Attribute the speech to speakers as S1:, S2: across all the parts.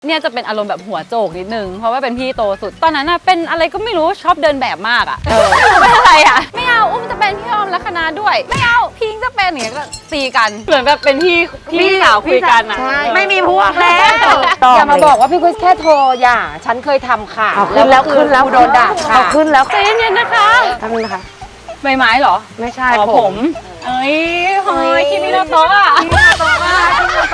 S1: เนี่ยจะเป็นอารมณ์แบบหัวโจกนิดนึงเพราะว่าเป็นพี่โตสุดตอนนั้นเป็นอะไรก็ไม่รู้ชอบเดินแบบมากอ่ะไม่อะไรอ่ะไม่เอาอุ้มจะเป็นพี่ออมลัคนาด้วยไม่เอาพิงจะเป็นอย่างเงี้ยก็ตีกันเหมือนแบบเป็นพี่สาวคุยกันอ่ะ
S2: ไม่มีพวกแล้ว
S3: อย่ามาบอกว่าพี่กุ้ยแค่โทรอย่าฉันเคยทำค่ะ
S2: ขึ้นแล้ว
S3: โดนด่าค่ะ
S2: ขึ้นแล้ว
S1: ใจเย็นๆนะคะ
S2: ทำนะคะ
S1: ใบไม้เหรอ
S2: ไม่ใช่
S1: ผมเอ้ยเฮ้ยคิมิโนโตะอ่ะ
S2: คิมิโนโตะว่า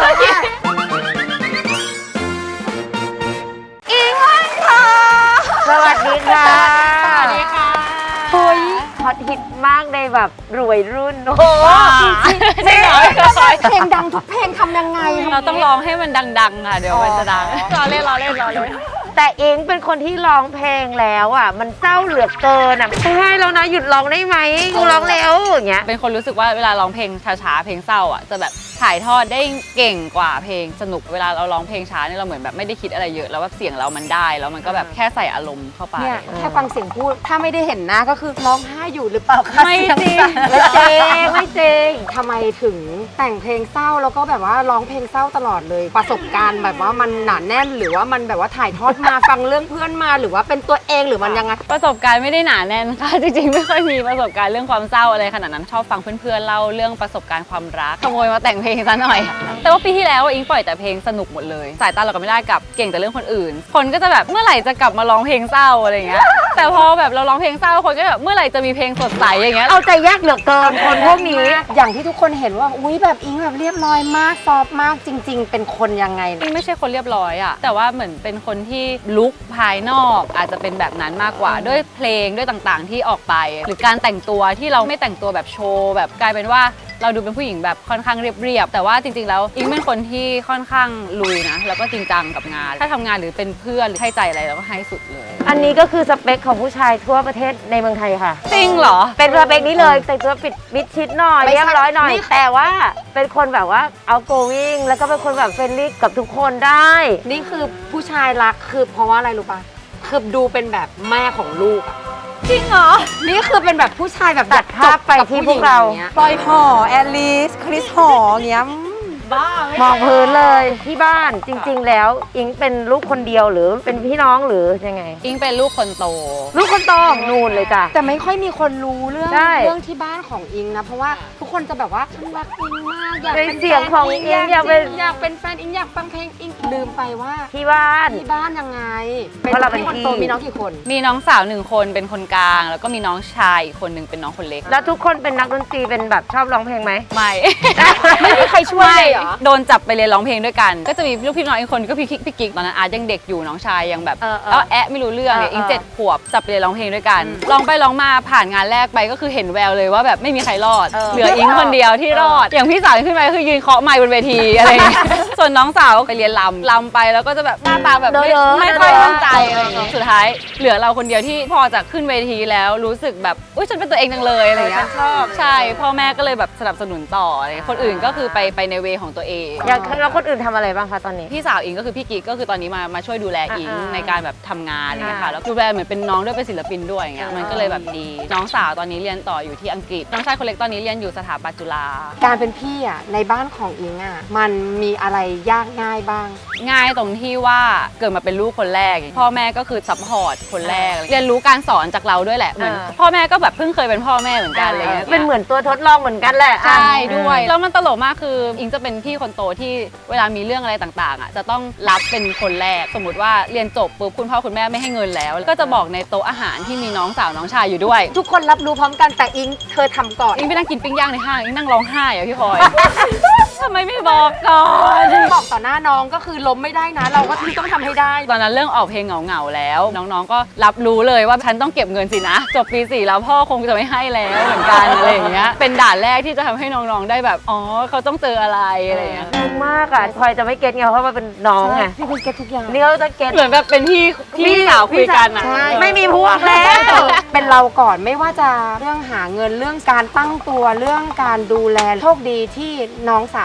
S1: อิงวันค่ะ
S2: สวัสดีค่ะ
S1: สวัสดีค่ะ
S2: เฮ้ยฮอตฮิตมากในแบบรวยรุ่นโอ้โห
S1: จริงเหรอ
S3: เพลงดังทุกเพลงทำยังไง
S1: เราต้องร้องให้มันดังๆค่ะเดี๋ยวมันจะดังรอเล่น
S2: แต่เองเป็นคนที่ร้องเพลงแล้วอ่ะมันเศร้าเหลือเกินอ่ะใช่แล้วนะหยุดร้องได้ไหมกูร้องแล้วอย่างเงี้ย
S1: เป็นคนรู้สึกว่าเวลาร้องเพลงช้าๆเพลงเศร้าอ่ะจะแบบถ่ายทอดได้เก่งกว่าเพลงสนุกเวลาเราร้องเพลงช้าเนี่ยเราเหมือนแบบไม่ได้คิดอะไรเยอะแล้วว่าเสียงเรามันได้แล้วมันก็แบบแค่ใส่อารมณ์เข้าไป
S3: เนี่ยแค่ฟังเสียงพูดถ้าไม่ได้เห็นหน้าก็คือร้องไห้อยู่หรือเปล่าคะ
S1: ไม่จริง
S2: ไม่จริง
S3: ทำไมถึงแต่งเพลงเศร้าแล้วก็แบบว่าร้องเพลงเศร้าตลอดเลยประสบการณ์แบบว่ามันหนาแน่นหรือว่ามันแบบว่าถ่ายทอดมาฟังเรื่องเพื่อนมาหรือว่าเป็นตัวเองหรือมันยังไง
S1: ประสบการณ์ไม่ได้หนาแน่นค่ะจริงๆไม่ค่อยมีประสบการณ์เรื่องความเศร้าอะไรขนาดนั้นชอบฟังเพื่อนๆเล่าเรื่องประสบการณ์ความรักขโมยมาแต่งเพลงซะหน่อยแต่ว่าปีที่แล้วอิงปล่อยแต่เพลงสนุกหมดเลยสายตาเราก็ไม่ได้กับเก่งแต่เรื่องคนอื่นคนก็จะแบบเมื่อไหร่จะกลับมาร้องเพลงเศร้าอะไรเงี้ยแต่พอแบบเราร้องเพลงเศร้าคนก็แบบเมื่อไหร่จะมีเพลงสดใสอย่างเงี้ย
S2: เอาใจยากเหลือเกินคนพวกนี้
S3: อย่างที่ทุกคนเห็นว่าอุ้ยแบบอิงแบบเรียบร้อยมากซอฟมากจริงๆเป็นคนยังไง
S1: อิงไม่ใช่คนเรียบร้อยอะแต่ว่าเหมือนเป็นคนที่ลุคภายนอกอาจจะเป็นแบบนั้นมากกว่าด้วยเพลงด้วยต่างๆที่ออกไปหรือการแต่งตัวที่เราไม่แต่งตัวแบบโชว์แบบกลายเป็นว่าเราดูเป็นผู้หญิงแบบค่อนข้างเรียบๆแต่ว่าจริงๆแล้วอิงเป็นคนที่ค่อนข้างลุยนะแล้วก็จริงจังกับงานถ้าทำงานหรือเป็นเพื่อนหรือให้ใจอะไรเราก็ให้สุดเลย
S2: อันนี้ก็คือสเปคของผู้ชายทั่วประเทศในเมืองไทยค่ะ
S1: จริงเหรอ
S2: เป็นสเปคนี้เลยแต่งตัวปิดมิดชิดหน่อยเรียบร้อยหน่อยแต่ว่าเป็นคนแบบว่าoutgoingแล้วก็เป็นคนแบบเฟรนลี่กับทุกคนได้
S3: นี่คือผู้ชายรักคือเพราะว่าอะไรรู้ป่ะคือดูเป็นแบบแม่ของลูกอะ
S1: จริงเหรอ
S3: นี่คือเป็นแบบผู้ชายแบบ
S2: ตัดภาพไปที่พวกเรา
S3: ปอยหอแอลิสคริสหอเงี้ย
S1: บ้าม
S2: องพื้นเลยที่บ้านจริงๆแล้วอิงเป็นลูกคนเดียวหรือเป็นพี่น้องหรือยังไง
S1: อิงเป็นลูกคนโต
S2: ลูกคนโตของนูนเลยจ้ะ
S3: แต่ไม่ค่อยมีคนรู้เรื่องที่บ้านของอิงนะเพราะว่าทุกคนจะแบบว่าฉันรักอิงมากอยากเป็น
S2: เสียงของอิงอยาก
S3: เป็นแฟนอิงอยากฟังเพลงอิงลืมไปว่า
S2: ที่บ้าน
S3: ยังไง
S2: เพราะเราเป็น
S3: คนโตมีน้องกี่คน
S1: มีน้องสาว1คนเป็นคนกลางแล้วก็มีน้องชายอีกคนนึงเป็นน้องคนเล็ก
S2: แล้วทุกคนเป็นนักดนตรีเป็นแบบชอบร้องเพลงไหม
S1: ไม่
S3: ไม่มีใครช่วยเหรอ
S1: โดนจับไปเรียนร้องเพลงด้วยกันก็จะมีลูกพี่น้องอีกคนก็พี่กิ๊กตอนนั้นอาจยังเด็กอยู่น้องชายยังแบบแล้วแอะไม่รู้เรื่องเนี่ยอิง7 ขวบจับไปเรียนร้องเพลงด้วยกันร้องไปร้องมาผ่านงานแรกไปก็คือเห็นแววเลยว่าแบบไม่มีใครรอดเหลืออิงคนเดียวที่รอดอย่างพี่สาวขึ้นไปคือยืนเคาะไมค์บนเวทีอะไรส่วนน้องสาวไปเรียนลำไปแล้วก็จะแบบหน้าตาแบบไม่ค่อยมั่นใจอะไรอย่างเงี้ยสุดท้ายเหลือเราคนเดียวที่พอจะขึ้นเวทีแล้วรู้สึกแบบอุ้ยฉันเป็นตัวเองจังเลยอะไรอย่างเงี้ยใช่พ่อแม่ก็เลยแบบสนับสนุนต่ออะไรคนอื่นก็คือไปในเวของตัวเอง
S2: อย่างแล้วคนอื่นทำอะไรบ้างคะตอนนี้
S1: พี่สาวอิงก็คือพี่กิ๊กก็คือตอนนี้มาช่วยดูแลอิงในการแบบทำงานเนี่ยค่ะแล้วดูแลเหมือนเป็นน้องด้วยเป็นศิลปินด้วยอย่างเงี้ยมันก็เลยแบบดีน้องสาวตอนนี้เรียนต่ออยู่ที่อังกฤษน้องชายคนเล็กตอนนี้เรียนอยู่สถาปัตย์จุฬา
S3: การเป็นพี่อ่ะในบ้านของอิงอ่ะมันมีอะไรยากง่ายบ้าง
S1: ง่ายตรงที่ว่าเกิดมาเป็นลูกคนแรกพ่อแม่ก็คือซัพพอร์ตคนแรกเรียนรู้การสอนจากเราด้วยแหละเหมือนพ่อแม่ก็แบบเพิ่งเคยเป็นพ่อแม่เหมือนกันอะไรเงี้ย
S2: เป็นเหมือนตัวทดลองเหมือนกันแหละ
S1: ใช่ด้วยแล้วมันตลกมากคืออิงจะเป็นพี่คนโตที่เวลามีเรื่องอะไรต่างๆอ่ะจะต้องรับเป็นคนแรกสมมติว่าเรียนจบปุ๊บคุณพ่อคุณแม่ไม่ให้เงินแล้วก็จะบอกในโต๊ะอาหารที่มีน้องสาวน้องชายอยู่ด้วย
S3: ทุกคนรับรู้พร้อมกันแต่อิงเธอทำก่อน
S1: อิงไปนั่งกินปิ้งย่างในห้างอิงนั่งร้องไห้อะพี่พลอยทำไมไม่บอกก่อน
S3: บอกต่อหน้าน้องก็คือล้มไม่ได้นะเราก็ต้องทำให้ได้
S1: ตอนนั้นเรื่องออกเพลงเหงาๆแล้วน้องๆก็รับรู้เลยว่าฉันต้องเก็บเงินสินะจบปี 4แล้วพ่อคงจะไม่ให้แล้วเหมือนกันอะไรอย่างเงี้ยเป็นด่านแรกที่จะทำให้น้องๆได้แบบอ๋อเขาต้องเจออะไรอะไรอย่างเงี้ย
S2: งมากอ่ะพลอยจะไม่เก็ตไงเพราะว่าเป็นน้องไง
S3: พี่คุณเก็ตทุกอย่าง
S2: นี่เขาจะเก็ต
S1: เหมือนแบบเป็นพี่สาวคุยกันอ่ะ
S2: ไม่มีพวกแล้ว
S3: เป็นเราก่อนไม่ว่าจะเรื่องหาเงินเรื่องการตั้งตัวเรื่องการดูแลโชคดีที่น้องสาว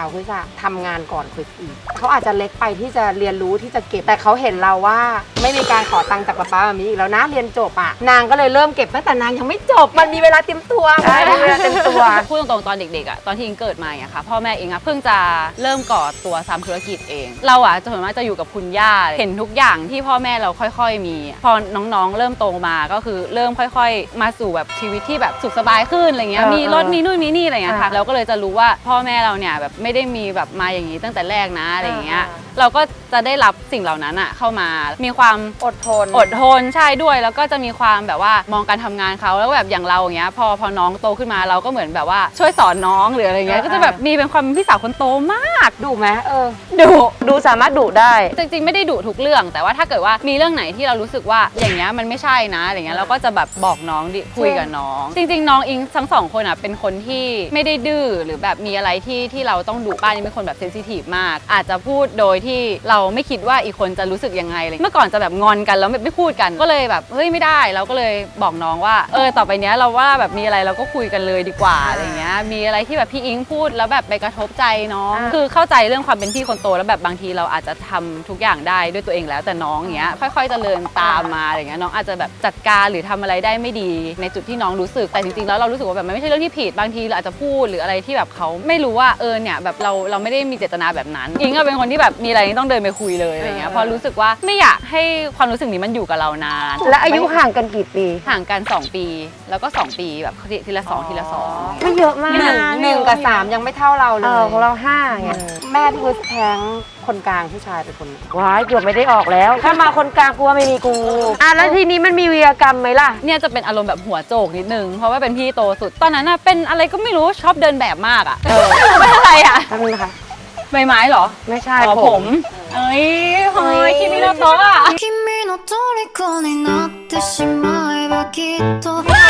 S3: าวคริสอะทำงานก่อนคริสอีกเขาอาจจะเล็กไปที่จะเรียนรู้ที่จะเก็บแต่เขาเห็นเราว่าไม่มีการขอตังค์จากป๊าป๊าแบบนี้อีกแล้วนะเรียนจบอะนางก็เลยเริ่มเก็บตั้งแต่นางยังไม่จบมันมีเวลาเตรียมตัว
S2: ใช่มีเวลาเต็มตัว
S1: พูดตรงๆตอนเด็กๆอ่ะตอนที่อิงเกิดมาอย่างค่ะพ่อแม่อิงอ่ะเพิ่งจะเริ่มก่อตัวทำธุรกิจเอง เราอ่ะส่วนมากจะอยู่กับคุณย่าเห็นทุกอย่างที่พ่อแม่เราค่อยๆมีพอน้องๆเริ่มโตมาก็คือเริ่มค่อยๆมาสู่แบบชีวิตที่แบบสุขสบายขึ้นอะไรเงี้ยมีรถมีนู่นมีนี่อะไรเงี้ยค่ะเราก็เลยจะรู้ว่าพ่อแม่เราเนี่ยแบบไม่ได้มีแบบมาอย่างนี้ตั้งแต่แรกนะอะไรเงี้ยเราก็จะได้รับสิ่งเหล่านั้นอ่ะเข้ามามีความ
S2: อดทน
S1: ใช่ด้วยแล้วก็จะมีความแบบว่ามองการทำงานเขาแล้วแบบอย่างเราอย่างเงี้ยพอน้องโตขึ้นมาเราก็เหมือนแบบว่าช่วยสอนน้องหรืออะไรเงี้ยก็จะแบบมีเป็นความเป็นพี่สาวคนโตมาก
S3: ดุไหม
S1: ดุ
S2: ดูสามารถดุได้
S1: จริงๆไม่ได้ดุทุกเรื่องแต่ว่าถ้าเกิดว่ามีเรื่องไหนที่เรารู้สึกว่าอย่างเงี้ยมันไม่ใช่นะอะไรเงี้ยเราก็จะแบบบอกน้องดิคุยกับน้องจริงๆน้องอิงทั้งสองคนอ่ะเป็นคนที่ไม่ได้ดื้อหรือแบบมีอะไรที่เราต้องดุป้านี่เป็นคนแบบเซนซิทีฟมากอาจจะพูดโดยที่เราไม่คิดว่าอีกคนจะรู้สึกยังไงเลยเมื่อก่อนจะแบบงอนกันแล้วไม่พูดกันก็เลยแบบเฮ้ยไม่ได้เราก็เลยบอกน้องว่าต่อไปเนี้ยเราว่าแบบมีอะไรเราก็คุยกันเลยดีกว่าอะไรเงี้ยมีอะไรที่แบบพี่อิงพูดแล้วแบบไปกระทบใจน้องคือเข้าใจเรื่องความเป็นพี่คนโตแล้วแบบบางทีเราอาจจะทำทุกอย่างได้ด้วยตัวเองแล้วแต่น้องอย่างเงี้ยค่อยๆเจริญตามมาอะไรเงี้ยน้องอาจจะแบบจัดการหรือทำอะไรได้ไม่ดีในจุดที่น้องรู้สึกแต่จริงๆแล้วเรารู้สึกว่าแบบมันไม่ใช่เรื่องที่ผิดบางทีเราอาจจะพูดหรืออะไรที่แบบเขาไม่รู้ว่าเนี่ยแบบเราไม่ได้มีเจตนาแบบนั้นอิงก็เป็นคนที่แบบมีอะไรต้องเดินไปคุยเลยอะไรเงี้ยพอรู้สึกว่าไม่อยากให้ความรู้สึกนี้มันอยู่กับเรานาน
S2: และอายุห่างกันกี่ปี
S1: ห่างกัน2 ปีแล้วก็2 ปีแบบทีละ2ทีละ2
S2: ไม่เยอะมาก
S3: หนึ่งกับ3ยังไม่เท่าเราเลย
S2: ของเรา5ไง
S3: แม่พี่คริสแท้งคนกลางผู้ชายเป็นคน
S2: ว้ายเกือบไม่ได้ออกแล้ว ถ้ามาคนกลางกูว่าไม่มีกูแล้วทีนี้มันมีวีรกรรมไหมล่ะ
S1: เนี่ยจะเป็นอารมณ์แบบหัวโจกนิดนึงเพราะว่าเป็นพี่โตสุดตอนนั้นน่ะเป็นอะไรก็ไม่รู้ชอบเดินแบบมากอ่ะไม่อะไรอ่ะ
S2: ทำนึงนะคะ
S1: ใบไม้เหรอ
S2: ไม่ใช่
S1: ผมเฮ้ยคิมิโนโตะอ่ะ
S4: 君の虜になってしまえばきっと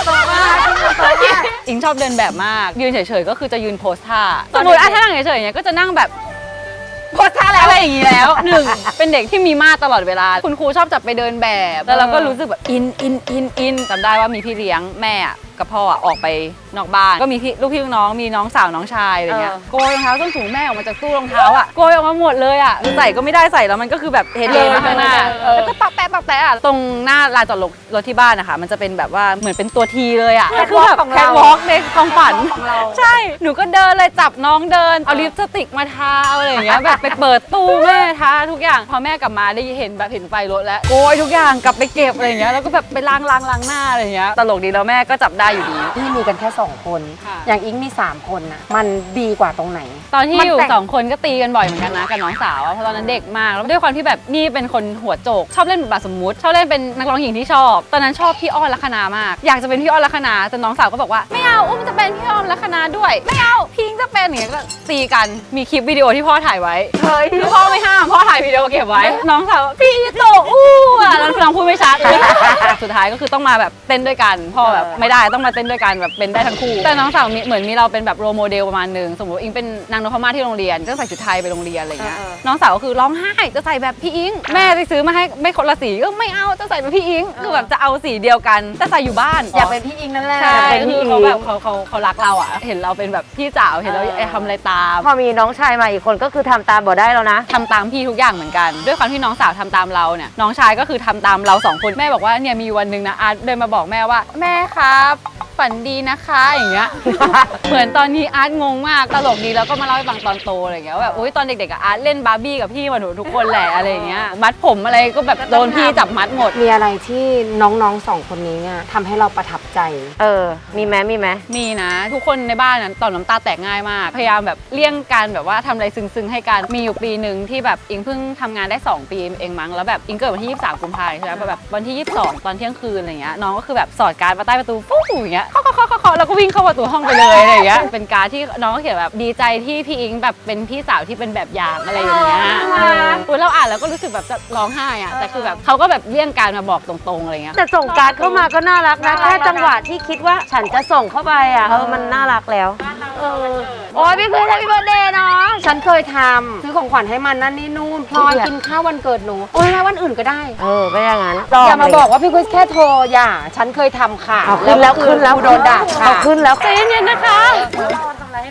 S1: อิงชอบเดินแบบมากยืนเฉยๆก็คือจะยืนโพสท่าสมมติถ้านั่งเฉยๆอย่างเงี้ยก็จะนั่งแบบโพสท่าแล้วอะไรอย่างงี้แล้วหนึ่งเป็นเด็กที่มีมาตลอดเวลาคุณครูชอบจับไปเดินแบบแล้วเราก็รู้สึกแบบอินจำได้ว่ามีพี่เลี้ยงแม่กับพ่อออกไปนอกบ้านก็มีลูกพี่ลูกน้องมีน้องสาวน้องชายอะไรเงี้ยโกยรองเท้าส้นสูงแม่ออกมาจากตู้รองเท้าอ่ะโกยออกมาหมดเลยอ่ะใส่ก็ไม่ได้ใส่แล้วมันก็คือแบบเฮเลนข้างหน้าแล้วก็ตอกแตะอ่ะตรงหน้าลานจอดรถที่บ้านนะคะมันจะเป็นแบบว่าเหมือนเป็นตัวทีเลยอ่ะคือแบบแคทวอล์กในความฝันใช่หนูก็เดินเลยจับน้องเดินเอาลิปสติกมาทาอะไรอย่างเงี้ยแบบไปเปิดตู้แม่ทาทุกอย่างพอแม่กลับมาได้เห็นแบบเห็นไฟรถแล้วโกยทุกอย่างกลับไปเก็บอะไรอย่างเงี้ยแล้วก็แบบไปล้างหน้าอะไรอย่างเงี้ยตลกดีแล้วแม่ก็จับได้อยู่ดี
S3: พี่มีกันแค่2 คน
S1: ค่ะ
S3: อย่างอิงมี3 คนน่ะมันดีกว่าตรงไหน
S1: ตอนที่อยู่
S3: มันแต่ง
S1: 2 คนก็ตีกันบ่อยเหมือนกันนะกับน้องสาวอะเพราะตอนนั้นเด็กมากแล้วด้วยความที่แบบนี่เป็นคนหัวโจกชอบเล่นบทบาทสมมุติชอบเล่นเป็นนักร้องหญิงที่ชอบตอนนั้นชอบพี่อ้อนลัคนามากอยากจะเป็นพี่อ้อนลัคนาแต่น้องสาวก็บอกว่าไม่เอาอุ้มจะเป็นพี่อ้อนลัคนาด้วยไม่เอาพิงจะเป็นอย่างเงี้ยก็ตีกันมีคลิปวิดีโอที่พ่อถ่ายไว้คือพ่อไม่ห้ามพ่อถ่ายวิดีโอเก็บไว้น้องสาวพี่โตอู้อะแล้วน้องพูดไม่ชัดเลย สุดท้ายก็คือต้องมาแบบเต้นด้วยกันพ่อแบบไม่ได้ต้องมาเต้นด้วยกันแบบเป็นได้ทั้งคู่แต่น้องสาวเหมือนมีเราเป็นแบบโรโมเดลประมาณนึงสมมติอิงเป็นนางนพมาศที่โรงเรียนก็ใส่ชุดไทยไปโรงเรียนอะไรเงี้ยน้องสาวก็คือร้องไห้จะใส่แบบพี่อิงแม่ไปซื้อมาให้ไม่คนละสีก็ไม่เอาจะใส่แบบพี่อิงคือแบบจะเอาสีเดียวกันแต่ใส่อยู่บ้าน
S3: อยากเป็นพี่อิงนั่นแหละ
S1: ใช่
S2: เป็นพี่
S1: คือ
S2: อิง
S1: เขาแบบเขารักเราอ่ะเห็นเราเป็นแบบพี่สาวเห็นเราทำอะไรตาม
S2: พอมีน้องชายมาอีกคนก็คือทำตามบ่ได้แล้วนะ
S1: ทำตามพี่ทุกอย่างเหมือนกันด้วยความที่น้องสาวทำตามเราเนี่ยน้องชายก็คือทำตามเรา2 คนแม่บอกว่าเนี่ยมีวันหนึ่งนะอาร์ตเดินมาบอกแม่ว่าแม่ครับฝันดีนะคะอย่างเงี้ย เหมือนตอนนี้อาร์ตงงมากตลกดีแล้วก็มาเล่าให้ฟังตอนโตอะไรอย่างเงี้ยว่าแบบโอ๊ยตอนเด็กๆอะอาร์ตเล่นบาร์บี้กับพี่มาหนูทุกคนแหละอะไรอย่างเงี้ยมัดผมอะไรก็แบบโดนพี่จับมัดหมด
S3: มีอะไรที่น้องๆ2 คนนี้เนี่ยทำให้เราประทับใจ
S2: มีไหม
S1: มีนะทุกคนในบ้านนั้นต่อมน้ำตาแตกง่ายมากพยายามแบบเลี่ยงการแบบว่าทำอะไรซึ้งๆให้กันมีอยู่ปีหนึ่งที่แบบอิงเพิ่งทำงานได้2 ปีเองมั้งแล้วแบบอิงเกิดวันที่23 กุมภาพันธ์ใช่ไหมแบบวันที่22ตอนเที่ยงคืนอะไรเงี้ยน้องก็คือแบบสอดการ์ดมาใต้ประตูปุ๊บอย่างเงี้ยเคาะแล้วก็วิ่งเข้าประตูห้องไปเลยอะไรอย่างเงี้ยเป็นการ์ดที่น้องก็เขียนแบบดีใจที่พี่อิงแบบเป็นพี่สาวที่เป็นแบบอย่างอะไรอย่างเงี้ยเราอ่านแล้วก็รู้สึกแบบจะร้องไห้อะแต่คือแบบเขาก็แบบเลี่ยงการมาบอกตรงๆอะไรเงี้ย
S2: แต่ส่งการ์ดเข้ามาก็น่ารักนะแค่จังหวะที่คิดว่าฉันจะส่งเข้าไปอ่ะมันน่ารักแล้วโอ้ยพี่เคยทำพี่เบิร์ธเดย์น้อง
S3: ฉันเคยทำซื้อของขวัญให้มันนั่นนี่นู่นพลอยกินข้าววันเกิดหนูโอ้ยวันอื่นก็ได้
S2: ไม่อย่างนั้น
S3: อย่ามาบอกว่าพี่คริสแค่โทรอย่าฉันเคยทำค่ะ
S2: เอาขึ้นแล้ว
S3: โดนด่าค่ะ
S2: เอาขึ้นแล้ว
S1: ใจเย็นๆนะคะ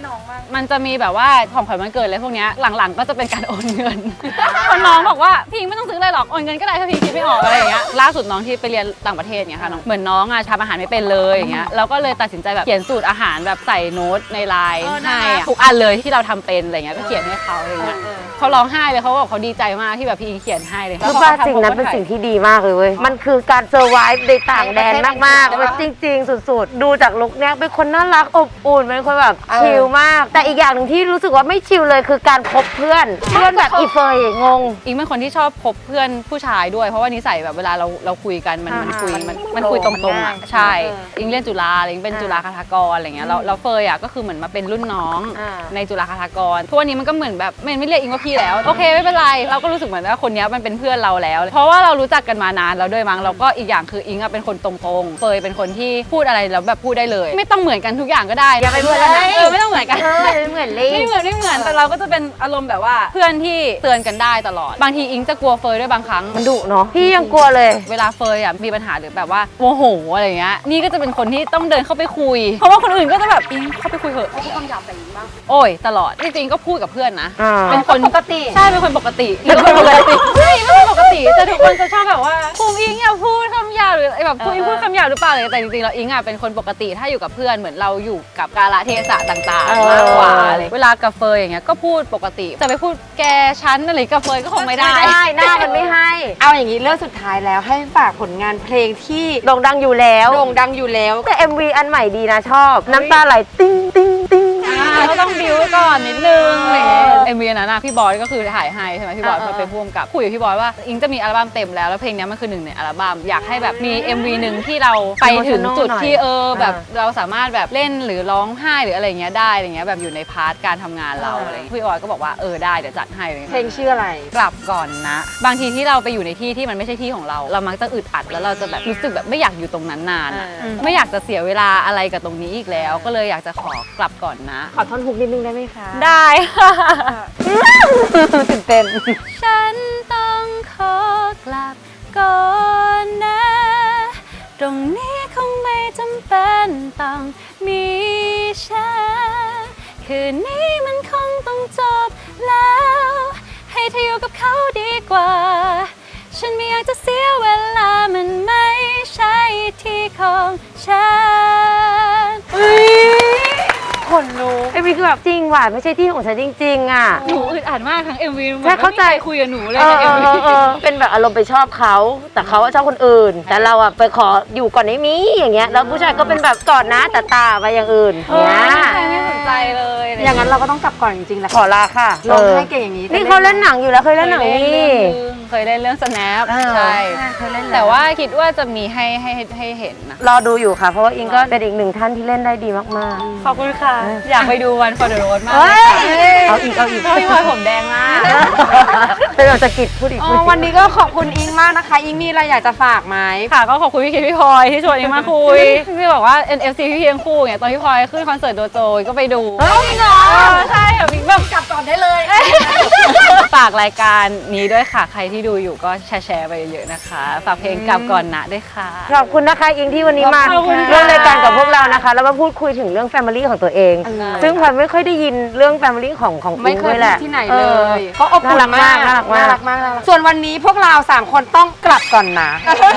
S1: มันจะมีแบบว่าของขวัญวันเกิดอะไรพวกเนี้ยหลังๆก็จะเป็นการโอนเงินคนน้องบอกว่าพิงไม่ต้องซื้ออะไรหรอกโอนเงินก็ได้ถ้าพิงคิดไม่ออกอะไรอย่างเงี้ยล่าสุดน้องที่ไปเรียนต่างประเทศเงี้ยค่ะน้องเหมือนน้องทำอาหารไม่เป็นเลยอย่างเงี้ยเราก็เลยตัดสินใจแบบเขียนสูตรอาหารแบบใส่โน้ตในไลน์ให้ทุกอันเลยที่เราทำเป็นอะไรเงี้ยก็เขียนให้เขาอะไรเงี้ยเขาร้องไห้เลยเขาบอกเขาดีใจมากที่แบบพี่อิงเขียนให้เลย
S2: รู้ป่ะสิ่งนั้นเป็นสิ่งที่ดีมากเลยเว้ย มันคือการเซอร์ไวฟ์ในต่างแดนมากๆมันจริงๆ สุดๆ ดูจากลุคเนี้ยเป็นคนน่ารักอบอุ่นเป็นคนแบบชิลมาก แต่อีกอย่างหนึ่งที่รู้สึกว่าไม่ชิลเลยคือการคบเพื่อนแบบอีเฟยงง
S1: อิงเป็นคนที่ชอบคบเพื่อนผู้ชายด้วยเพราะว่านิสัยแบบเวลาเราคุยกันมันคุยตรงๆอ่ะใช่อิงเรียนจุฬาอิงเป็นจุฬาคาถากรอะไรเงี้ยเราเฟยอ่ะก็คือเหมือนมาเป็นรุ่นน้องในจุฬาคาถากรทุกวันนี้มันก็เหมือนแบบไม่เรียกอิงว่าพี่แล้วโอเคไม่เป็นไรเราก็รู้สึกเหมือนว่าคนนี้มันเป็นเพื่อนเราแล้วเพราะว่าเรารู้จักกันมานานแล้วด้วยมั้งแล้วก็อีกอย่างคืออิงอ่ะเป็นคนตรงๆเฟยเป็นคนที่พูดอะไรแล้วแบบพูดได้เลยไม่ต้องเหมือนกันทุกอย่างก็ได้
S2: อย่าไปเหมือนเลย
S1: ไม่ต้องเหมือนกัน
S2: ไม่เหมือนเลย
S1: ไม่เหมือนแต่เราก็จะเป็นอารมณ์แบบว่าเพื่อนที่เตือนกันได้ตลอดบางทีอิงจะกลัวเฟยด้วยบางครั้ง
S2: มันดุเนาะพี่ยังกลัวเลย
S1: เวลาเฟยอ่ะมีปัญหาหรือแบบว่าโมโหอะไรเงี้ยนี่ก็จะเป็นคนที่ต้องเดินเข้าไปคุยเพราะว่าคนอื่นก็จะแบบอิงเข้าไปคุยเถอะพูดคำหยาบใส่อิงบ้างโอ้ยตลอดจริงๆก็พูดกับเพื่อนนะเป็นคนปกติใช่เป็นคนปกติเป็นคนปกติไม่เป็นปกติแต่ทุกคนจะชอบแบบว่าภูมิอิงอย่าพูดคำหยาบหรือแบบภูมิอิงพูดคำหยาบหรือเปล่าอะไรแต่จริงๆแล้วอิงอ่ะเป็นคนปกติถ้าอยู่กับเพื่อนเหมือนเราอยู่กับกาลเทศะต่างๆมากกว่าอะไรเวลากับเฟยอย่างเงี้ยก็พูดปกติจะไปพูดแกชั้นอะไรกับเฟยก็คงไม่ได้
S2: หน้ามันไม่ให้
S3: เอาอย่างนี้เรื่องสุดท้ายแล้วให้ฝากผลงานเพลงที่
S2: โด่งดังอยู่แล้ว
S3: โด่งดังอยู่แล้ว
S2: แต่ MV อันใหม่ดีนะชอบ น้ำตาไหลติ้งติ้งติ้ง
S1: ก็ต้องบิวก่อนนิดนึงเอ็มวีนั้นนะพี่บอยก็คือถ่ายให้ใช่ไหมพี่บอยเป็นผู้กำกับคุยกับพี่บอยว่าอิงจะมีอัลบั้มเต็มแล้วเพลงนี้มันคือหนึ่งในอัลบั้มอยากให้แบบมี MV หนึ่งที่เราไปถึงจุดที่แบบเราสามารถแบบเล่นหรือร้องไห้หรืออะไรเงี้ยได้อะไรเงี้ยแบบอยู่ในพาร์ทการทำงานเราอะไรพี่บอยก็บอกว่าได้เดี๋ยวจัดให้
S3: เพลงชื่ออะไร
S1: กลับก่อนนะบางทีที่เราไปอยู่ในที่ที่มันไม่ใช่ที่ของเรามักจะอึดอัดแล้วเราจะแบบรู้สึกแบบไม่อยากอยู่ตรงนั้นนานอะไม่อยากจะเสียเวลาอะไรกับตรงนี้อีกแล้วก็เลยอยากจะขอกลับก่อนนะ
S3: ขอท่อนฮุกนิดนึงได้ไหมคะ
S1: ได้ค่ะ
S3: ตื่นเต้น
S1: ฉันต้องขอกลับก่อนนะ ตรงนี้คงไม่จำเป็นต้องมีฉันคืนนี้มันคงต้องจบแล้ว ให้เธออยู่กับเขาดีกว่า ฉันไม่อยากจะเสียเวลามันไม่ใช่ที่ของฉัน
S2: คนรู้ไอ้พี่คือแบบจริงว่ะไม่ใช่ที่ของฉันจริงๆอ่ะ
S1: หนูอึดอัดมากทั้ง MV
S2: ใช่เข้าใจ
S1: ไม่มีครคุยกับหนูเลยใน MV
S2: เป็นแบบอารมณ์ไปชอบเขาแต่เขาชอบคนอื่น แต่เราอ่ะไปขออยู่ก่อนได้มีอย่างเงี้ยแล้วผู้ชายก็เป็นแบบกอดนะแต่ตาไปอย่างอื่นเนี้ย
S1: ไม่สนใจเลย
S3: อย่างนั้นเราก็ต้องกลับก่อนจริงๆแหละ
S2: ขอลาค่ะ
S3: ร้องไห้เก่งอย่างนี้
S2: นี่เขาเล่นหนังอยู่แล้วเคยเล่นหนังนี่
S1: เคยเล่นเรื่อง snap ใช่
S2: เคยเล่น
S1: แต่ว่าคิดว่าจะมีให้เห็นนะ
S2: รอดูอยู่ค่ะ เพราะว่าอิงก็เป็นอีกหนึ่งท่านที่เล่นได้ดีมาก
S1: ขอบคุณค่ะ อยากไปดูวัน for the road มาก
S2: เฮ้
S1: เลยค่ะ
S2: เอาอีก
S1: พี่พลอยผมแดงมาก
S2: เป็นเราจะกิดพูดอีก
S3: วันนี้ก็ขอบคุณอิงมากนะคะ อิงมีอะไรอยากจะฝากไหม
S1: ค่ะก็ขอบคุณพี่คิดพี่พลอยที่ชวนอิงมาคุยพี่บอกว่า NFC พี่เพียงคู่ไงตอนพี่พลอยขึ้นคอนเสิร์ตโดโจก็ไปดู
S2: เฮ้ยเหรอ
S1: ใช่ค่ะพี่แบบกลับก่อนได้เลย ฝากรายการนี้ด้วยค่ะใครที่ดูอยู่ก็แชร์ไปเยอะๆนะคะฝากเพลงกลับก่อนนะด้วยค่ะ
S2: ขอบคุณนะคะอิงที่วันนี้มา
S1: ขอบคุณค่ะ
S2: ร่วมรายการกับพวกเรานะคะ แล้วมาพูดคุยถึงเรื่อง Family ของตัวเอง ซึ่งพลอยไม่ค่อยได้ยินเรื่อง Family ของอิ
S3: ไม่
S2: ง
S3: เค
S2: ด้วย ยแหละ
S3: ที่ไหนเลยก็อบอุ่นมาก
S2: น่ารักมาก
S3: มากส่วนวันนี้พวกเรา3คนต้องกลับก่อนนะ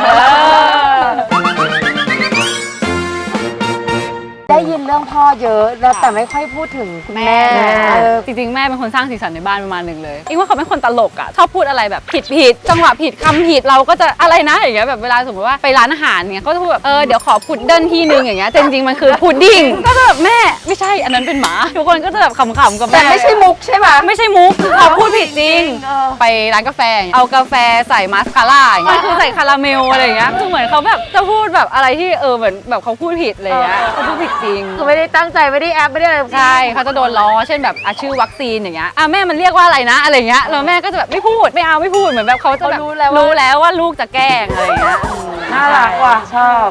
S3: ได้ยินเรื่องพ่อเยอะแล้วแต่ไม่ค่อยพูดถึงคุณแม่
S1: จริงๆแม่เป็นคนสร้างสีสันในบ้านประมาณหนึ่งเลยอิงว่าเขาเป็นคนตลกอ่ะชอบพูดอะไรแบบผิดจังหวะผิดคำผิดเราก็จะอะไรนะอย่างเงี้ยแบบเวลาสมมติว่าไปร้านอาหารเงี้ยเขาจะพูดแบบเดี๋ยวขอพุดเดิ้ลที่นึงอย่างเงี้ยแต่จริงๆมันคือพุดดิ้งก็จะแบบแม่ไม่ใช่อันนั้นเป็นหมาทุกคนก็จะแบบขำๆกับแม่
S3: แต่ไม่ใช่มุกใช่ไหม
S1: ไม่ใช่มุกคือเขาพูดผิดจริง ไปร้านกาแฟเอากาแฟใส่มาสคาร่าอย่างเงี้ยคือใส่คาราเมลอะไรอย่างเงี้ยคือเหมือนเขาแบบจะพูดแบบอะไรที่เหมือนแบบเขาพูดผิดอะไรอย่างเงี้ยเขาพูดผิดจริง
S2: คือไม่ได้ตั้งใจไม่ได้แอปไม่ได้อะไร
S1: ใช่เขาจะโดนล้อเช่นแบบชื่อวัคซีนอย่างเงี้ยแม่มันเรียกว่าอะไรนะอะไรเงี้ยแล้วแม่ก็จะแบบไม่พูดไม่พูดเหมือนแบบเขาจะแบบรู้แล้วว่าลูกจะแกล้งอะไรเงี้ย
S2: น่ารักว่ะชอบ